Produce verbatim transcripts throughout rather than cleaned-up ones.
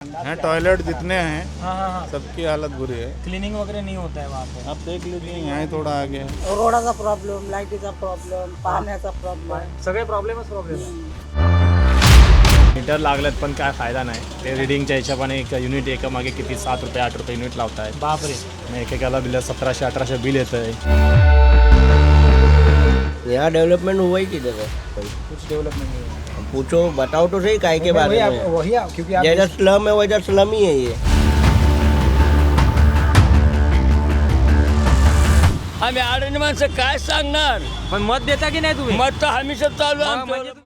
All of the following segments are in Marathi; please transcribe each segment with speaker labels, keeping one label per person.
Speaker 1: हैं टॉयलेट जितने हैं
Speaker 2: हाँ हाँ हाँ
Speaker 1: सबकी हालत बुरी है।
Speaker 2: क्लीनिंग वगैरह नहीं होता है वहाँ पे।
Speaker 1: आप देख लीजिए यहाँ ही थोड़ा आगे है।
Speaker 3: रोडाचा प्रॉब्लेम, लाईटीचा प्रॉब्लेम, पाण्याचा प्रॉब्लेम.
Speaker 2: सगळे प्रॉब्लेमच प्रॉब्लेम.
Speaker 4: मीटर लागलेत पण काय फायदा नाही. ते रिडिंगच्या हिशोबाने एक युनिट एका मागे किती सात रुपये आठ रुपये युनिट लावताय.
Speaker 2: बापरे.
Speaker 4: मग एकेकाला बिल सतराशे अठराशे बिल येतं आहे.
Speaker 5: यहाँ डेवलपमेंट हुआ ही किधर है?
Speaker 2: कुछ डेवलपमेंट नहीं है.
Speaker 5: पूछो, बताओ तो सही काय के बारे
Speaker 2: वही
Speaker 5: में.
Speaker 2: आप- वही आप- क्योंकि आप
Speaker 5: जैसा स्लम है वैसा स्लम ही है ये.
Speaker 6: आम्ही आडणी माणसं काय सांगणार.
Speaker 2: पण मत देता की नाही तुम्ही?
Speaker 6: मत तर हमेशा चालू आहे
Speaker 2: मग
Speaker 6: आमचं.
Speaker 2: म्हणजे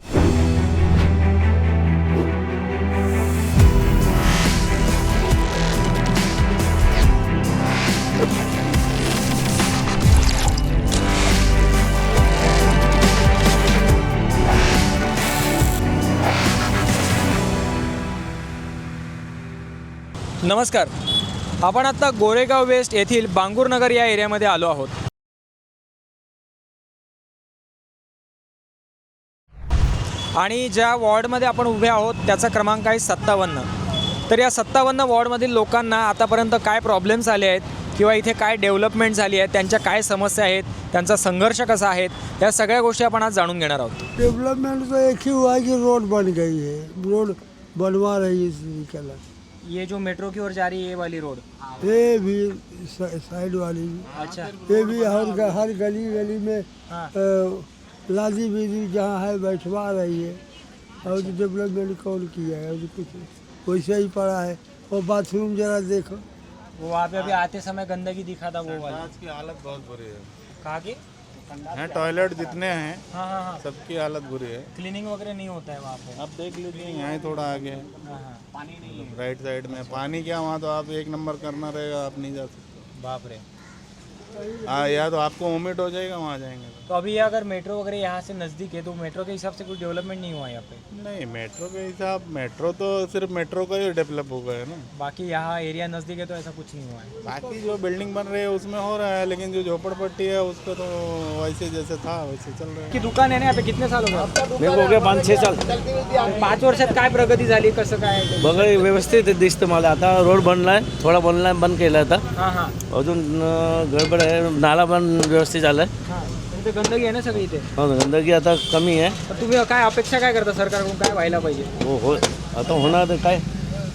Speaker 2: नमस्कार. आपण आता गोरेगाव वेस्ट येथील बांगूरनगर या एरियामध्ये आलो आहोत. आणि ज्या वॉर्डमध्ये आपण उभे आहोत त्याचा क्रमांक आहे सत्तावन्न. तर या सत्तावन्न वॉर्डमधील लोकांना आतापर्यंत काय प्रॉब्लेम्स आले आहेत किंवा इथे काय डेव्हलपमेंट झाली आहे, त्यांच्या काय समस्या आहेत, त्यांचा संघर्ष कसा आहे, या सगळ्या गोष्टी आपण आज जाणून घेणार आहोत.
Speaker 7: डेवलपमेंट तो एक ही हुआ है कि रोड बन गई है, रोड बनवा रही है.
Speaker 2: ये जो मेट्रो की ओर जा रही है ये वाली रोड.
Speaker 7: ये भी साइड वाली भी.
Speaker 2: अच्छा.
Speaker 7: ये भी हर हर गली गली में
Speaker 2: हाँ.
Speaker 7: अ, लादी बीदी जहाँ है बैठवा रही है. और डेवलपमेंट कौन किया है? और कुछ वैसे ही पड़ा है. और बाथरूम जरा देखो.
Speaker 2: वो वहाँ पे अभी आते समय गंदगी दिखा था वो वाला.
Speaker 1: आज की हालत बहुत बुरी है।
Speaker 2: कहा कि
Speaker 1: हैं टॉयलेट जितने हैं
Speaker 2: हाँ हाँ हाँ
Speaker 1: सबकी हालत बुरी है।
Speaker 2: क्लीनिंग वगैरह नहीं होता है वहाँ पे.
Speaker 1: आप देख लीजिए यहाँ ही थोड़ा आगे है।
Speaker 2: हाँ हाँ
Speaker 1: राइट साइड में पानी क्या वहाँ तो आप एक नंबर करना रहेगा, आप नहीं जा सकते।
Speaker 2: बाप रे.
Speaker 1: हाँ या तो आपको वोमिट हो जाएगा वहाँ जाएंगे तो।
Speaker 2: तो अभी ये अगर मेट्रो वगैरह यहाँ से नज़दीक है तो मेट्रो के हिसाब से कुछ डेवलपमेंट नहीं हुआ यहाँ पे.
Speaker 1: नहीं मेट्रो के हिसाब मेट्रो तो सिर्फ मेट्रो का ही डेवलप हो गया है ना।
Speaker 2: बाकी यहाँ एरिया नज़दीक है तो ऐसा कुछ नहीं हुआ है.
Speaker 1: बाकी जो बिल्डिंग बन रही है उसमें हो रहा है, लेकिन जो झोपड़पट्टी है उसका तो वैसे जैसे था वैसे चल रहा है।
Speaker 2: की दुकान आहे ना यहाँ पे कितने साल हो गए?
Speaker 5: मेरे को हो गया पाच छह साल.
Speaker 2: पाच वर्षात काय प्रगती झाली, कसं काय?
Speaker 5: बघा व्यवस्थित दिसतं मला. आता रोड बनलाय, थोडा बनलाय, बंद केला आता.
Speaker 2: हां हां
Speaker 5: अजून अं, गडबड आहे. नाला पण व्यवस्थित झालाय.
Speaker 2: हां. इथे गंदगी आहे ना सगळी इथे.
Speaker 5: हो, गंदगी आता कमी आहे.
Speaker 2: तर तुम्ही काय अपेक्षा काय करता सरकारकडून, काय व्हायला पाहिजे?
Speaker 5: हो हो आता होणार तर काय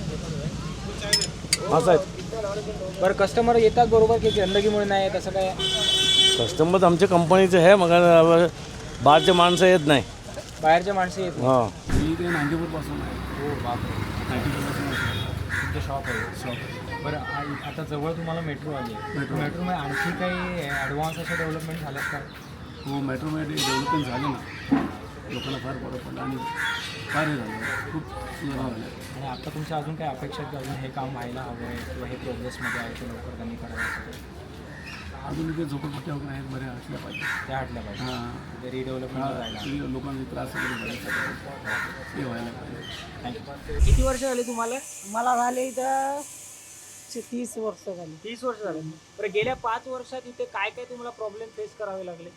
Speaker 5: असं आहे.
Speaker 2: बरं कस्टमर येतात बरोबर की गंदगीमुळे नाही येत असं काय?
Speaker 5: कस्टमर आमच्या कंपनीचे आहे, मग बाहेरचे माणसं येत नाही.
Speaker 2: बाहेरचे माणसं येत नाही.
Speaker 5: हां
Speaker 8: मी इकडे नांदेपूरपासून आहे.
Speaker 2: हो बापरे.
Speaker 8: नांदेपूरपासून
Speaker 2: तुमचं शॉप आहे.
Speaker 8: शॉप.
Speaker 2: बरं आ- आता जवळ तुम्हाला मेट्रो आली आहे. मेट्रो मेट्रोमध्ये आणखी काही ॲडव्हान्स अशा डेव्हलपमेंट झाल्यात का?
Speaker 8: हो मेट्रोमध्ये डेव्हलपमेंट झालं ना, लोकांना फार बरं पडलं आणि फार हे झालं, खूप सुधारणा झाल्या.
Speaker 2: आणि आता तुमच्या अजून काही अपेक्षा आहेत की अजून हे काम व्हायला हवं आहे किंवा हे प्रोग्रेसमध्ये आहे ते लवकर त्यांनी करावं असं काही?
Speaker 8: अजून इथे झोपडपट्ट्या वगैरे आहेत, बऱ्या असल्या पाहिजे.
Speaker 2: त्या हटल्या पाहिजे.
Speaker 8: हां
Speaker 2: ते रिडेव्हलपमेंट जायला.
Speaker 8: हां लोकांना त्रास वगैरे बऱ्याच ते व्हायला पाहिजे.
Speaker 2: थँक्यू. किती वर्ष झाली तुम्हाला?
Speaker 3: मला झाले इथं चे- तीस वर्ष झाली.
Speaker 2: तीस वर्ष झाले. बरं गेल्या पाच वर्षात इथे काय काय तुम्हाला प्रॉब्लेम फेस करावे लागले?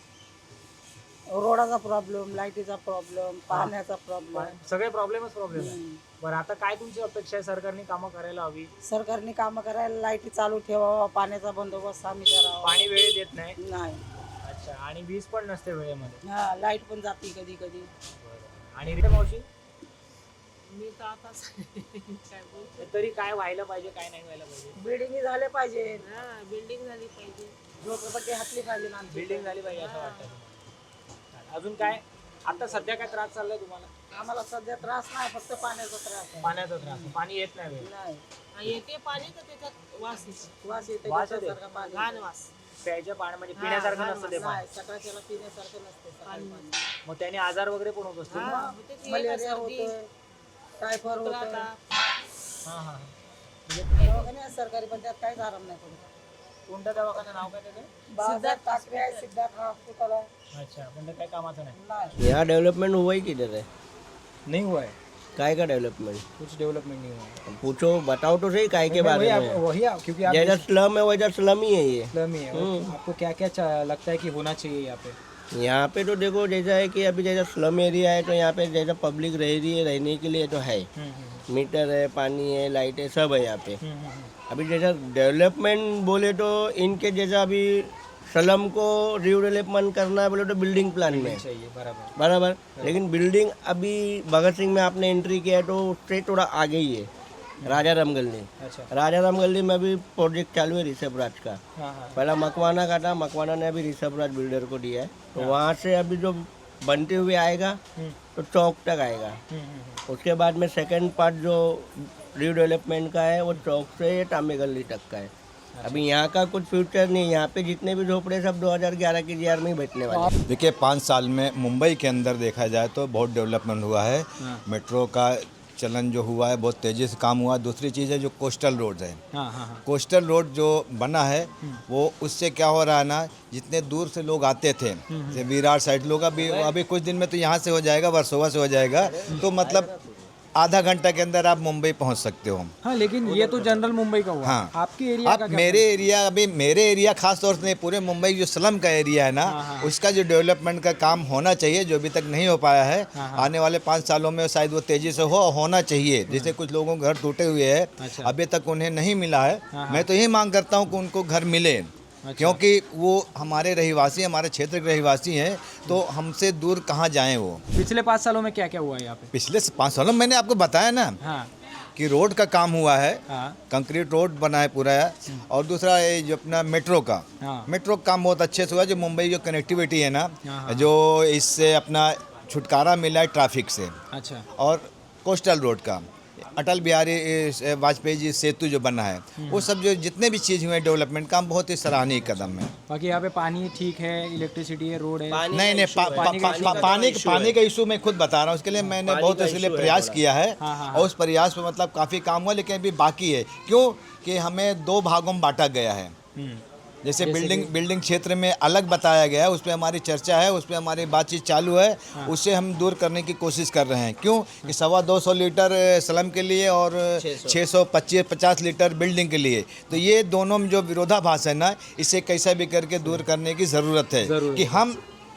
Speaker 3: रोडाचा प्रॉब्लेम, लाईटीचा प्रॉब्लेम, पाण्याचा प्रॉब्लेम.
Speaker 2: सगळे प्रॉब्लेमच प्रॉब्लेम आहे. बरं आता काय तुमची अपेक्षा आहे, सरकारने कामं करायला हवी?
Speaker 3: सरकारने कामं करायला लाईटी चालू ठेवावा, पाण्याचा बंदोबस्त आम्ही करावा.
Speaker 2: पाणी वेळेत देत नाही.
Speaker 3: नाही.
Speaker 2: अच्छा. आणि वीज पण नसते वेळेमध्ये.
Speaker 3: हा लाईट पण जाते कधी कधी.
Speaker 2: आणि रिटे मावशी
Speaker 9: मी तर आता काय बोलते.
Speaker 2: तरी काय व्हायला पाहिजे, काय नाही व्हायला पाहिजे?
Speaker 3: बिल्डिंग झाले पाहिजे,
Speaker 9: हा बिल्डिंग झाली पाहिजे.
Speaker 3: झोपडपट्टी हातली पाहिजे ना आमची.
Speaker 2: बिल्डिंग झाली पाहिजे असं वाटतं. अजून काय आता सध्या काय त्रास चाललाय तुम्हाला?
Speaker 3: आम्हाला सध्या त्रास नाही, फक्त पाण्याचा त्रास आहे.
Speaker 2: पाण्याचा त्रास. पाणी येत नाही वेळ.
Speaker 3: नाही.
Speaker 9: हा, येते पाणी तर त्याच्यात वास येतो.
Speaker 3: वास येते
Speaker 2: वास येते?
Speaker 3: गटारसारखा पाणी.
Speaker 9: घाण वास.
Speaker 2: प्यायच्या पाणी म्हणजे
Speaker 9: हा,
Speaker 2: पिण्यासारखं
Speaker 9: घाण
Speaker 2: नसतं ते
Speaker 9: वास.
Speaker 2: पाणी.
Speaker 3: नाही, सकाळच्याला पिण्यासारखं नसते सकाळी
Speaker 9: पाणी.
Speaker 3: पाणी.
Speaker 2: मग त्याने आजार वगैरे पण होत असतील.
Speaker 9: हा, होते ते
Speaker 3: मलेरिया
Speaker 9: सर्दी,
Speaker 3: होतोय, टायफॉइड
Speaker 9: खोकला
Speaker 3: होतोय.
Speaker 9: ताप.
Speaker 2: हा हा.
Speaker 3: दवाखाने आहेत सरकारी, पण त्यात काहीच आराम नाही पडत.
Speaker 2: कोणत्या दवाखान्याचं नाव काय त्याचं?
Speaker 3: बाजारात टाकले आहे, सिद्धार्थ हॉस्पिटल आहे.
Speaker 2: अच्छा. पण ते काही कामाचं नाही.
Speaker 3: नाही.
Speaker 5: यहाँ डेवलपमेंट हुआ ही किधर है?
Speaker 2: नहीं हुआ है.
Speaker 5: काय का डेवलपमेंट?
Speaker 2: कुछ डेवलपमेंट नहीं हुआ है.
Speaker 5: पूछो, बताओ तो सही काय के बारे
Speaker 2: वही
Speaker 5: में.
Speaker 2: आप- वही आप- क्योंकि आप
Speaker 5: जैसा स्लम है वैसा स्लम ही है ये.
Speaker 2: इस्लाम ही है. आपको क्या क्या लगता है कि होना चाहिए यहाँ पे?
Speaker 5: यहाँ पे तो देखो जैसा है कि अभी जैसा स्लम एरिया है तो यहाँ पे जैसा पब्लिक रह रही है रहने के लिए तो है,
Speaker 6: मीटर है, पानी है, लाइट है, सब है यहाँ पे। अभी जैसा डेवलपमेंट बोले तो इनके जैसा अभी सलम को रिडेवलपमेंट करना है बोले तो बिल्डिंग प्लान में
Speaker 2: चाहिए बराबर।
Speaker 6: बराबर, लेकिन बिल्डिंग अभी भगत सिंह में आपने एंट्री किया है तो उससे थोड़ा आगे ही है राजा राम गली।
Speaker 2: अच्छा।
Speaker 6: राजा राम गली में भी प्रोजेक्ट चालू है ऋषभ राज का।
Speaker 2: हाँ हाँ
Speaker 6: पहला मकवाना का था, मकवाना ने अभी ऋषभ राज बिल्डर को दिया है, तो वहाँ से अभी जो बनते हुए आएगा तो चौक तक आएगा। उसके बाद में सेकंड पार्ट जो रीडेवलपमेंट का है वो चौक से तांबे गली तक का है। अभी यहाँ का कुछ फ्यूचर नहीं है, यहाँ पे जितने भी झोपड़े सब दो हज़ार ग्यारह की जीआर में ही बैठने वाले हैं।
Speaker 10: देखिए पाँच साल में मुंबई के अंदर देखा जाए तो बहुत डेवलपमेंट हुआ है। मेट्रो का चलन जो हुआ है बहुत तेज़ी से काम हुआ है। दूसरी चीज़ है जो कोस्टल रोड है,
Speaker 2: हाँ हाँ
Speaker 10: कोस्टल रोड जो बना है वो उससे क्या हो रहा है ना, जितने दूर से लोग आते थे जैसे विरार साइड लोग, अभी अभी कुछ दिन में तो यहाँ से हो जाएगा, वर्सोवा से हो जाएगा, तो मतलब आधा घंटा के अंदर आप मुंबई पहुंच सकते हो।
Speaker 2: हाँ, लेकिन ये तो जनरल मुंबई का हुआ।
Speaker 10: हाँ।
Speaker 2: आपकी एरिया
Speaker 10: आप
Speaker 2: का क्या
Speaker 10: मेरे एरिया, अभी मेरे एरिया खास तौर से नहीं, पूरे मुंबई जो स्लम का एरिया है ना, उसका जो डेवलपमेंट का काम होना चाहिए जो अभी तक नहीं हो पाया है, आने वाले पाँच सालों में शायद वो तेजी से हो होना चाहिए। जैसे कुछ लोगों के घर टूटे हुए हैं, अभी तक उन्हें नहीं मिला है, मैं तो यही मांग करता हूँ कि उनको घर मिले, क्योंकि वो हमारे रहीवासी, हमारे क्षेत्र के रहीवासी हैं, तो हमसे दूर कहाँ जाएं वो।
Speaker 2: पिछले पाँच सालों में क्या क्या हुआ है यहाँ पे?
Speaker 10: पिछले पाँच सालों में मैंने आपको बताया ना
Speaker 2: हाँ
Speaker 10: कि रोड का काम हुआ है,
Speaker 2: हाँ
Speaker 10: कंक्रीट रोड बना है पूरा है, और दूसरा ये जो अपना मेट्रो का
Speaker 2: हाँ।
Speaker 10: मेट्रो का काम बहुत अच्छे से हुआ, जो मुंबई जो कनेक्टिविटी है ना,
Speaker 2: हाँ।
Speaker 10: जो इससे अपना छुटकारा मिला है ट्रैफिक से,
Speaker 2: अच्छा।
Speaker 10: और कोस्टल रोड का अटल बिहारी ए, वाजपेयी जी सेतु जो बना है, वो सब जो जितने भी चीज़ हुए डेवलपमेंट का बहुत ही सराहनीय कदम है।
Speaker 2: बाकी यहाँ पे पानी ठीक है, इलेक्ट्रिसिटी है, रोड है?
Speaker 10: नहीं नहीं पा, पा, पा, पा, पानी पानी का इशू मैं खुद बता रहा हूँ, उसके लिए मैंने बहुत इसके लिए प्रयास किया है, और उस प्रयास में मतलब काफ़ी काम हुआ, लेकिन अभी बाकी है। क्यों कि हमें दो भागों में बांटा गया है। जैसे बिल्डिंग बिल्डिंग क्षेत्र में अलग बताया गया है, उस पर हमारी चर्चा है, उस पर हमारी बातचीत चालू है, उससे हम दूर करने की कोशिश कर रहे हैं। क्यों कि सवा दो सौ लीटर स्लम के लिए और छः सौ पच्चीस पचास लीटर बिल्डिंग के लिए, तो ये दोनों में जो विरोधाभास है ना, इसे कैसा भी करके दूर करने की ज़रूरत है कि हम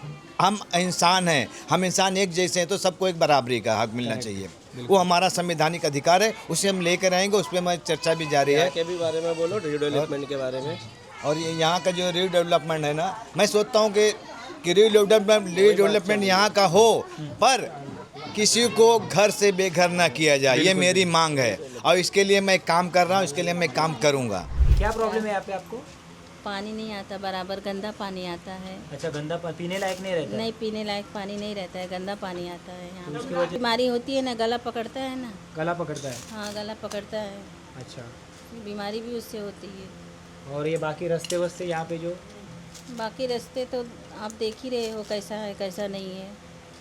Speaker 10: हम इंसान हैं, हम इंसान एक जैसे हैं, तो सबको एक बराबरी का हक मिलना चाहिए। वो हमारा संवैधानिक अधिकार है, उसे हम लेकर आएंगे, उस पर हमारी चर्चा भी जारी है।
Speaker 6: के भी बारे में बोलो, रिडेवलपमेंट के बारे में।
Speaker 10: और ये यहाँ का जो रीडेवलपमेंट है ना, मैं सोचता हूँ कि कि रीडेवलपमेंट रीडेवलपमेंट यहाँ का हो, पर किसी को घर से बेघर ना किया जाए, ये मेरी मांग है, और इसके लिए मैं काम कर रहा हूँ, इसके लिए मैं काम करूँगा।
Speaker 2: क्या प्रॉब्लम है यहाँ पे आपको?
Speaker 11: पानी नहीं आता बराबर, गंदा पानी आता है।
Speaker 2: अच्छा, गंदा पानी पीने लायक नहीं रहता?
Speaker 11: नहीं, पीने लायक पानी नहीं रहता है, गंदा पानी आता है यहाँ पे। बीमारी होती है ना, गला पकड़ता है ना।
Speaker 2: गला पकड़ता है?
Speaker 11: हाँ, गला पकड़ता है।
Speaker 2: अच्छा,
Speaker 11: बीमारी भी उससे होती है।
Speaker 2: और ये बाकी रास्ते वस्ते यहाँ पे जो
Speaker 11: बाकी रास्ते तो आप देख ही रहे हो कैसा है कैसा नहीं है।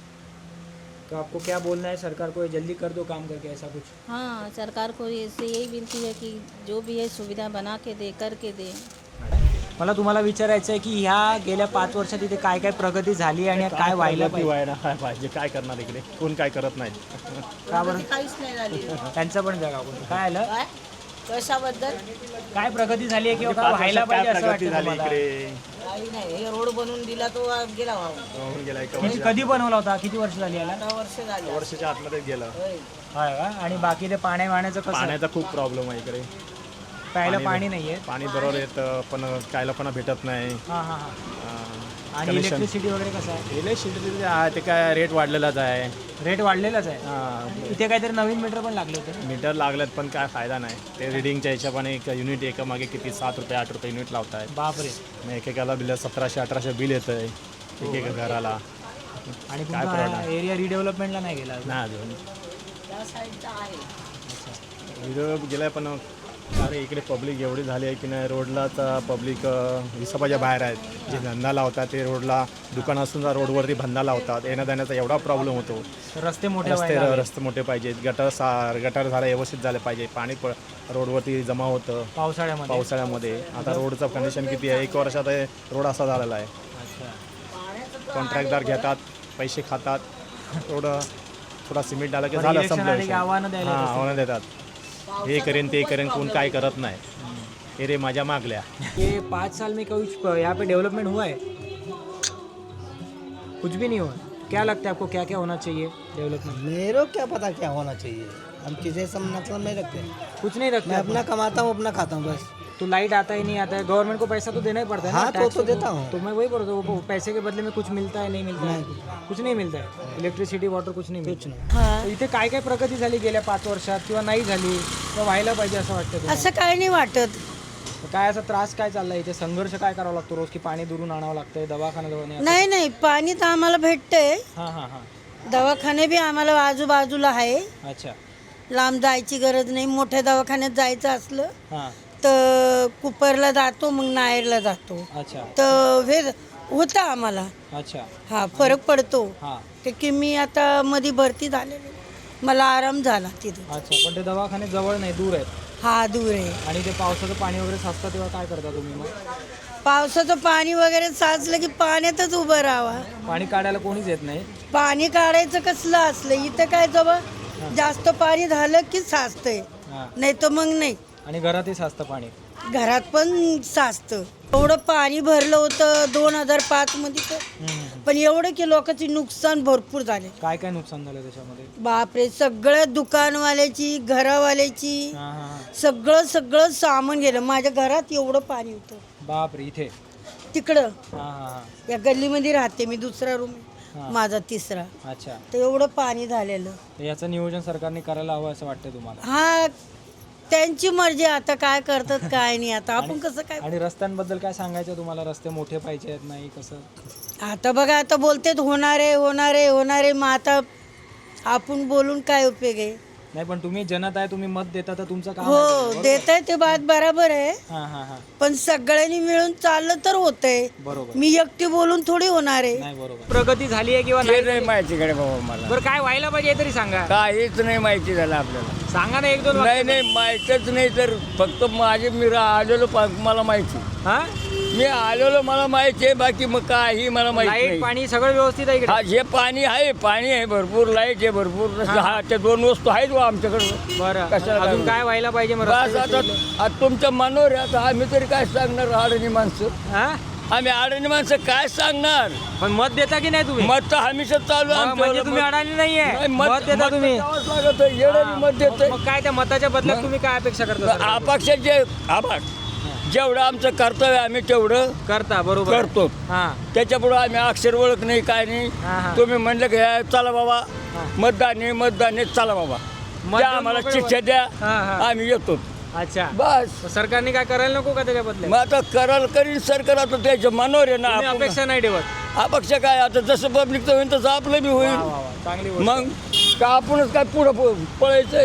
Speaker 2: तो आपको क्या बोलना है सरकार को, ये जल्दी कर दो काम करके ऐसा कुछ?
Speaker 11: हाँ, सरकार को इससे यही विनती है कि जो भी है सुविधा बना के दे, करके दे।
Speaker 2: मला तुम्हाला विचारायचं आहे की ह्या गेल्या पाच वर्षात इथे काय काय प्रगती झाली आणि काय व्हायला
Speaker 4: प्रगती व्हायला काय पाहिजे, काय करणार इकडे, कोण काय करत नाही.
Speaker 2: का बरं?
Speaker 3: काहीच नाही झाली.
Speaker 2: त्यांचं पण जगा बोलतो. काय आलं?
Speaker 3: काय कशाबद्दल
Speaker 2: काय प्रगती झाली आहे किंवा
Speaker 4: पाच
Speaker 2: काय व्हायला
Speaker 4: वर्षात
Speaker 2: पाहिजे
Speaker 4: काय
Speaker 2: असं
Speaker 4: प्रगती
Speaker 2: वाटतं
Speaker 4: झाली
Speaker 2: तुम्हाला?
Speaker 4: इकडे,
Speaker 3: काही नाही. हे रोड बनवून दिला तो गेला व्हावा.
Speaker 4: होऊन गेला एका
Speaker 2: किती- कधी बनवला होता? किती वर्ष झाली याला?
Speaker 3: दहा वर्ष झाली.
Speaker 4: वर्षाच्या आतमध्ये गेलं.
Speaker 3: होय.
Speaker 2: होय का? आणि बाकी ते पाण्या वाण्याचं कसं?
Speaker 4: पाण्याचा खूप प्रॉब्लेम आहे इकडे,
Speaker 2: प्यायला पाणी नाहीये.
Speaker 4: पाणी बरोबर येतं पण काय लोकांना भेटत नाही.
Speaker 2: हां हां हां.
Speaker 4: अं,
Speaker 2: आणि इलेक्ट्रिसिटी वगैरे कसं आहे?
Speaker 4: इलेक्ट्रिसिटी जे आहे ते काय रेट वाढलेलाच आहे.
Speaker 2: रेट वाढलेलाच आहे.
Speaker 4: हां,
Speaker 2: इथे काहीतरी नवीन मीटर पण लागले होते.
Speaker 4: मीटर लागलेत पण काय फायदा नाही. ते रिडिंगच्या हिशोबाने एक युनिट एका मागे किती सात रुपये आठ रुपये युनिट लावत आहेत.
Speaker 2: बापरे.
Speaker 4: मग एकेकाला बिल सतराशे अठराशे बिल येतं आहे एक एका घराला.
Speaker 2: आणि
Speaker 4: काय
Speaker 2: तुमचा
Speaker 4: problem?
Speaker 2: एरिया रिडेव्हलपमेंटला नाही गेला अजून?
Speaker 4: नाही अजून
Speaker 3: त्या साईडचा आहे.
Speaker 4: व्हिडिओ गेलाय पण अरे इकडे पब्लिक एवढी झाली आहे की नाही, रोडला तर पब्लिक हिसाबाच्या बाहेर आहेत. जे धंदा लावतात ते रोडला, दुकान असून रोडवरती धंदा लावतात, येण्या जाण्याचा एवढा प्रॉब्लेम होतो.
Speaker 2: रस्ते मोठे
Speaker 4: रस्ते
Speaker 2: व्हायला हवे.
Speaker 4: रस्ते मोठे पाहिजेत, गटर सा गटर झालं व्यवस्थित झालं पाहिजे, पाणी प रोडवरती जमा होतं
Speaker 2: पावसाळ्यामध्ये.
Speaker 4: पावसाळ्यामध्ये. आता रोडचं कंडिशन किती आहे, एक वर्षात हे रोड असा झालेला आहे.
Speaker 2: अच्छा.
Speaker 4: कॉन्ट्रॅक्टदार घेतात, पैसे खातात, रोड थोडा सिमेंट आलं की
Speaker 2: बरं,
Speaker 4: झालं,
Speaker 2: election
Speaker 4: संपलं
Speaker 2: आले की आव्हानं
Speaker 4: विषय.
Speaker 2: द्यायला
Speaker 4: हां,
Speaker 2: येतात.
Speaker 4: आव्हानं देतात, हे करेन ते करेन, कोण काय करत नाही. हे रे माझ्या मागल्या.
Speaker 2: ये पाँच साल में कुछ यहाँ पे डेवलपमेंट हुआ है? कुछ भी नहीं हुआ. क्या लगता है आपको, क्या क्या होना चाहिए डेवलपमेंट?
Speaker 12: मेरे को क्या पता क्या होना चाहिए.
Speaker 3: हम किसी से मतलब नहीं रखते,
Speaker 2: कुछ नहीं रखते
Speaker 3: मैं
Speaker 2: अपन?
Speaker 3: अपना कमाता हूँ अपना खाता हूँ बस।
Speaker 2: तो लाइट आता ही नहीं आता है, गवर्नमेंट को पैसा तो देना ही पड़ता है
Speaker 3: हाँ,
Speaker 2: ना,
Speaker 3: तो-
Speaker 2: टैक्स
Speaker 3: तो देता हूँ।
Speaker 2: तो मैं वही बोल रहा हूँ, वो पैसे के बदले में कुछ मिलता है नहीं मिलता है? कुछ नाही मिळत आहे, इलेक्ट्रिसिटी वॉटर कुछ नाही कुछ नाही. इथे काय काय प्रगती झाली गेल्या पाच वर्षात किंवा नाही झाली किंवा व्हायला पाहिजे असं वाटतं तुम्हाला?
Speaker 3: असं काय नाही वाटत.
Speaker 2: काय असा त्रास काय चाललाय इथे, संघर्ष काय करावा लागतो रोज, की पाणी दुरून आणावं लागतंय, दवाखाना जवळ नाही?
Speaker 3: नाही नाही, पाणी तर आम्हाला भेटतंय,
Speaker 2: हां हां हां.
Speaker 3: दवाखाने बी आम्हाला आजूबाजूला आहे,
Speaker 2: अच्छा.
Speaker 3: लांब जायची गरज नाही. मोठ्या दवाखान्यात जायचं असलं
Speaker 2: हां.
Speaker 3: तर कुपरला जातो, मग नायरला जातो,
Speaker 2: अच्छा
Speaker 3: तर हे होतं आम्हाला.
Speaker 2: अच्छा.
Speaker 3: हा फरक पडतो.
Speaker 2: हां.
Speaker 3: ते की मी आता मध्ये भरती झालेली, मला आराम झाला तिथं.
Speaker 2: अच्छा, पण ते दवाखाने जवळ नाही, दूर आहेत.
Speaker 3: हा दूर आहे.
Speaker 2: आणि ते पावसाचं पाणी वगैरे साचतं तेव्हा काय करता तुम्ही मग?
Speaker 3: पावसाचं पाणी वगैरे साचलं की पाण्यातच उभं राहावा.
Speaker 2: पाणी काढायला कोणीच येत नाही.
Speaker 3: पाणी काढायचं कसलं असलं, इथं काय जवळ जास्त पाणी झालं की साचतंय,
Speaker 2: हां.
Speaker 3: नाही तर मग नाही.
Speaker 2: आणि घरातही साचतं पाणी.
Speaker 3: घरात पण साचतं. एवढं पाणी भरलं होतं दोन हजार पाच मध्ये तर, पण एवढं की लोकांची नुकसान भरपूर झाले.
Speaker 2: काय काय नुकसान झालं त्याच्यामध्ये?
Speaker 3: बापरे, सगळं दुकानवाल्याची, घरावाल्याची,
Speaker 2: हां हां हां.
Speaker 3: सगळं सगळं सामान गेलं. माझ्या घरात एवढं पाणी होतं.
Speaker 2: बापरे, इथे?
Speaker 3: तिकडं
Speaker 2: हां हां हां.
Speaker 3: या गल्लीमध्ये राहते मी, दुसरा रूम माझा तिसरा,
Speaker 2: अच्छा.
Speaker 3: तर एवढं पाणी झालेलं.
Speaker 2: तर याचं नियोजन सरकारने करायला हवं असं वाटतं तुम्हाला?
Speaker 3: हा त्यांची मर्जी, आता काय करतात काय नाही, आता आपण कसं काय.
Speaker 2: आणि रस्त्यांबद्दल काय सांगायचं तुम्हाला? रस्ते मोठे पाहिजे आहेत, नाही कसं?
Speaker 3: आता बघा, आता बोलतेत होणार आहे होणार आहे होणार आहे, मग आता आपण बोलून काय उपयोग आहे.
Speaker 2: नाही, पण तुम्ही जनता आहे, तुम्ही मत देता, तर तुमचं काम आहे.
Speaker 3: हो देत आहे ते बात बरोबर आहे,
Speaker 2: हां हां हां.
Speaker 3: पण सगळ्यांनी मिळून चाललं तर होतंय.
Speaker 2: बरोबर.
Speaker 3: मी एकटी बोलून थोडी होणार आहे.
Speaker 2: नाही, बरोबर. प्रगती झाली आहे किंवा नाही?
Speaker 5: माहितीकडे बाबा मला
Speaker 2: बरं, काय व्हायला पाहिजे तरी सांगा.
Speaker 5: काहीच नाही माहिती झालं आपल्याला.
Speaker 2: सांगा ना एक दोन
Speaker 5: नाही
Speaker 2: वाक्य.
Speaker 5: नाही माहीतच नाही, तर फक्त माझे मी आलेलो मला माहिती,
Speaker 2: हां?
Speaker 5: मी आलेलो मला माहिती आहे, बाकी मग काही मला माहिती
Speaker 2: लाईट
Speaker 5: नाही.
Speaker 2: पाणी सगळं व्यवस्थित आहे इकडे?
Speaker 5: हा, जे पाणी आहे, पाणी आहे भरपूर, लाईट आहे भरपूर, हा त्या दोन वस्तू आहेत बा आमच्याकडे.
Speaker 2: बरं,
Speaker 5: कशाला
Speaker 2: अजून
Speaker 5: काय
Speaker 2: काय व्हायला पाहिजे मग?
Speaker 5: बस
Speaker 2: रस्ते
Speaker 5: आता
Speaker 2: बिस्ते?
Speaker 5: आता तुमच्या मनावर आहे. आता आम्ही तरी काय सांगणार, अडणी माणसं,
Speaker 2: हां?
Speaker 5: आम्ही अडणी माणसं काय सांगणार.
Speaker 2: पण मत देता की नाही तुम्ही?
Speaker 5: मत तर हमेशा चालू आहे
Speaker 2: मग
Speaker 5: आमचं.
Speaker 2: म्हणजे तुम्ही अडाणी नाहीये,
Speaker 5: नाही,
Speaker 2: मत देता तुम्ही.
Speaker 5: द्यावंच लागत आहे, येणं मत देतोय.
Speaker 2: मग काय त्या मताच्या बदल्यात तुम्ही काय अपेक्षा करता सरकारकडून?
Speaker 5: अपक्ष जे आभार जेवढं आमचं कर्तव्य आम्ही तेवढं
Speaker 2: करता, बरोबर
Speaker 5: करतो.
Speaker 2: हां.
Speaker 5: त्याच्यापुढं आम्ही अक्षर ओळख नाही, काय नाही.
Speaker 2: हां, हां.
Speaker 5: तुम्ही म्हणलं की हे चला बाबा मतदान आहे, मतदान आहे, चला बाबा
Speaker 2: मत
Speaker 5: द्या
Speaker 2: देऊन
Speaker 5: आम्हाला
Speaker 2: मोकळे
Speaker 5: शिक्षा द्या,
Speaker 2: हां, हां.
Speaker 5: आम्ही येतो.
Speaker 2: अच्छा,
Speaker 5: बस
Speaker 2: मग सरकारने काय करायला नको का त्याच्या बदल्यात?
Speaker 5: मग आता कराल करीन सरकार, आता त्याच्या मनावर आहे ना.
Speaker 2: तुम्ही
Speaker 5: आपण-
Speaker 2: अपेक्षा नाही ठेवत?
Speaker 5: अपक्ष काय, आता जसं पब्लिकचं होईल तसं आपलं बी
Speaker 2: वा,
Speaker 5: होईल.
Speaker 2: वा, वा. चांगली गोष्ट.
Speaker 5: मग का आपणच काय पुढं प- पळायचंय?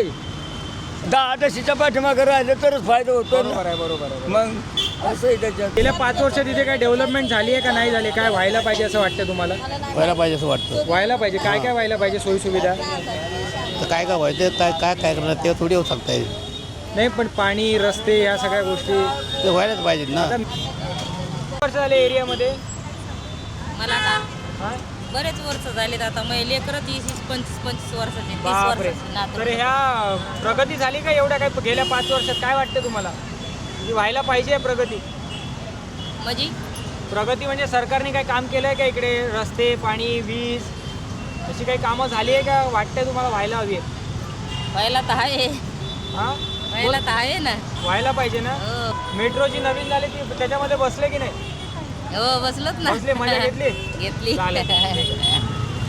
Speaker 5: दहा दशीच्या पाठीमागं राहिलं तरच फायदा होतो ना.
Speaker 2: बरोबर आहे, बरोबर आहे.
Speaker 5: मग असं आहे त्याच्यात.
Speaker 2: गेल्या पाच वर्षात इथे काय डेव्हलपमेंट झाली आहे का नाही झाली? काय व्हायला पाहिजे असं वाटतं तुम्हाला?
Speaker 5: व्हायला पाहिजे असं वाटतं.
Speaker 2: व्हायला पाहिजे. काय काय व्हायला पाहिजे सोयी सुविधा?
Speaker 5: तर काय काय व्हायचं, काय काय काय करणार ते थोडी होऊ शकता.
Speaker 2: नाही, पण पाणी, रस्ते, ह्या सगळ्या गोष्टी
Speaker 5: ते व्हायलाच पाहिजेत ना.
Speaker 2: वर्ष झाले एरियामध्ये?
Speaker 11: मला का
Speaker 2: हां?
Speaker 11: बरेच वर्ष झालेत आता, मग लेकरं तीस तीस पंचवीस पंचवीस वर्षाचे, तीस
Speaker 2: बापरे.
Speaker 11: वर्षाचे नातू.
Speaker 2: तर ह्या प्रगती झाली का एवढ्या काय गेल्या पाच वर्षात? काय वाटतं तुम्हाला की व्हायला पाहिजे प्रगती?
Speaker 11: म्हणजे
Speaker 2: प्रगती म्हणजे सरकारने काय काम केलं आहे का इकडे? रस्ते, पाणी, वीज अशी काही कामं झाली आहे का? वाटतंय तुम्हाला व्हायला हवी आहे?
Speaker 11: व्हायला तर आहे,
Speaker 2: हां,
Speaker 11: व्हायला तर आहे ना.
Speaker 2: व्हायला पाहिजे ना.
Speaker 11: हो
Speaker 2: मेट्रोची नवीन झाली ती, त्याच्यामध्ये बसले की नाही?
Speaker 11: हो बसलोत ना.
Speaker 2: बसले, मजा घेतली?
Speaker 11: घेतली.
Speaker 2: चालेल, ठीक आहे.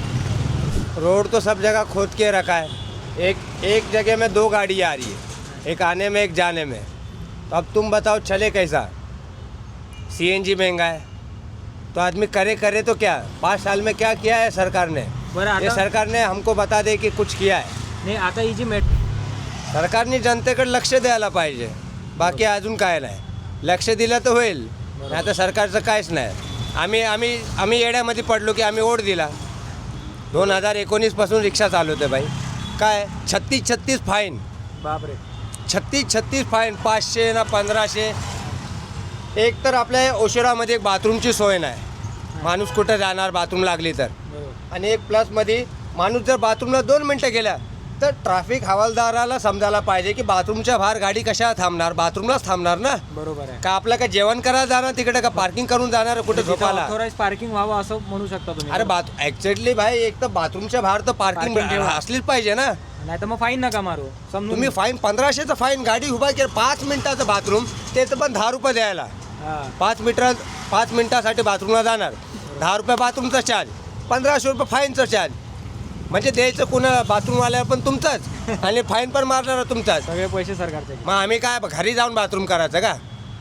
Speaker 12: रोड तो सब जगह खोद के रखा है, एक एक जगह में दो गाड़ी आ रही है, एक आने में एक जाने में, तो अब तुम बताओ चले कैसा? सीएनजी महंगा है, तो आदमी करे करे तो क्या? पाँच साल में क्या किया है सरकार ने?
Speaker 2: बरं,
Speaker 12: ये
Speaker 2: आता
Speaker 12: सरकार ने हमको बता दे की कुछ किया है.
Speaker 2: नाही, आता ही जी मेट्रो
Speaker 12: सरकारने जनतेकडे लक्ष द्यायला पाहिजे, बाकी अजून काय नाही. लक्ष दिलं तर होईल, नाही तर सरकारचं काहीच नाही. आम्ही आम्ही आम्ही येड्यामध्ये पडलो की आम्ही ओढ दिला. दोन हजार एकोणीसपासून रिक्षा चालवते बाई, काय छत्तीस छत्तीस फाईन,
Speaker 2: बापरे.
Speaker 12: छत्तीस छत्तीस फाईन, पाचशे ना पंधराशे. एक तर आपल्या ओशिरामध्ये एक बाथरूमची सोय नाही, माणूस कुठं जाणार बाथरूम लागली तर. आणि एक प्लसमध्ये माणूस जर बाथरूमला दोन मिनटं गेला तर ट्रॅफिक हवालदाराला समजायला पाहिजे की बाथरूमच्या बाहेर गाडी कशा थांबणार, बाथरूमलाच थांबणार ना.
Speaker 2: बरोबर आहे.
Speaker 12: का आपलं काय जेवण करायला जाणार तिकडे, का पार्किंग करून जाणार कुठे झोपायला?
Speaker 2: ऑथोराइज पार्किंग व्हावं असं म्हणू शकता तुम्ही.
Speaker 12: अरे बाथ ॲक्च्युअली भाई, एक तर बाथरूमच्या बाहेर तर पार्किंग
Speaker 2: Parking ठेवा.
Speaker 12: असलीच पाहिजे ना.
Speaker 2: नाही तर मग फाईन नका मारू समजून
Speaker 12: तुम्ही फाईन पंधराशेचं फाईन गाडी उभा केलं पाच मिनिटाचं बाथरूम त्याचं पण दहा रुपये द्यायला
Speaker 2: हां
Speaker 12: पाच मीटर पाच मिनिटासाठी बाथरूमला जाणार दहा रुपये बाथरूमचा चार्ज पंधराशे रुपये फाईनचं चार्ज म्हणजे द्यायचं कुणा बाथरूमवाल्याला पण तुमचंच आणि फाईन पण मारणार तुमचाच
Speaker 2: सगळे पैसे सरकारचे
Speaker 12: मग आम्ही काय घरी जाऊन बाथरूम करायचं का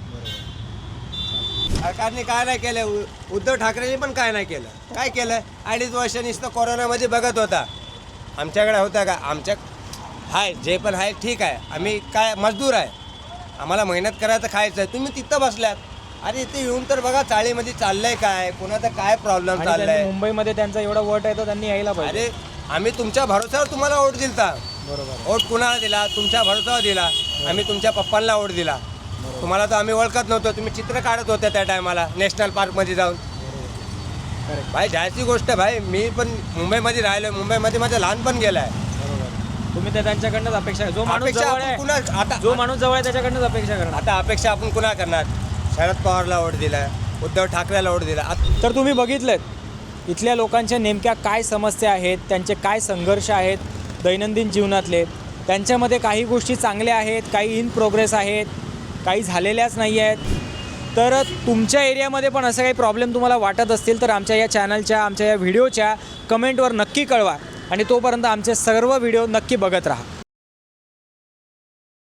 Speaker 12: सरकारने काय नाही केलं उ- उद्धव ठाकरेंनी पण काय नाही केलं काय केलं अडीच वर्ष नुसतं कोरोनामध्ये बघत होता आमच्याकडे होता का आमच्या हाय जे पण आहे ठीक आहे आम्ही काय मजदूर आहे आम्हाला मेहनत करायचं खायचं आहे तुम्ही तिथं बसल्यात अरे इथे येऊन तर बघा चाळीमध्ये चाललंय काय कोणाचा काय प्रॉब्लेम
Speaker 2: आणि त्यांनी
Speaker 12: चाललाय
Speaker 2: मुंबईमध्ये त्यांचा एवढा वोट आहे तर त्यांनी यायला पाहिजे
Speaker 12: अरे आम्ही तुमच्या भरोश्यावर तुम्हाला वोट दिलता
Speaker 2: बरोबर
Speaker 12: वोट कुणाला दिला तुमच्या भरोसावर दिला आम्ही तुमच्या पप्पांना वोट दिला तुम्हाला तर आम्ही ओळखत नव्हतो तुम्ही चित्र काढत होते त्या टायमाला नॅशनल पार्कमध्ये जाऊन भाई जायची गोष्ट भाई मी पण मुंबईमध्ये राहिलो मुंबईमध्ये माझं लहानपण गेलं आहे
Speaker 2: तुम्ही तर त्यांच्याकडनंच अपेक्षा जो माणूस
Speaker 12: अपेक्षा
Speaker 2: जवळ
Speaker 12: आपण
Speaker 2: आहे
Speaker 12: कुणा आता
Speaker 2: जो माणूस जवळ आहे त्याच्याकडनंच अपेक्षा करणार
Speaker 12: आता अपेक्षा आपण कुणा करणार शरद पवारला वोट दिला उद्धव ठाकरेला वोट दिला आत-
Speaker 2: तर तुम्ही बघितलेत इथल्या लोकांच्या नेमक्या काय समस्या आहेत त्यांचे काय संघर्ष आहेत दैनंदिन जीवनातले त्यांच्यामध्ये काही गोष्टी चांगल्या आहेत काही इन प्रोग्रेस आहेत काही झालेल्याच नाही आहेत तर तुमच्या एरियामध्ये पण असं काही प्रॉब्लेम तुम्हाला वाटत असतील तर आमच्या या चॅनलच्या आमच्या या व्हिडिओच्या कमेंटवर नक्की कळवा आणि तोपर्यंत आमचे सर्व व्हिडिओ नक्की बघत राहा.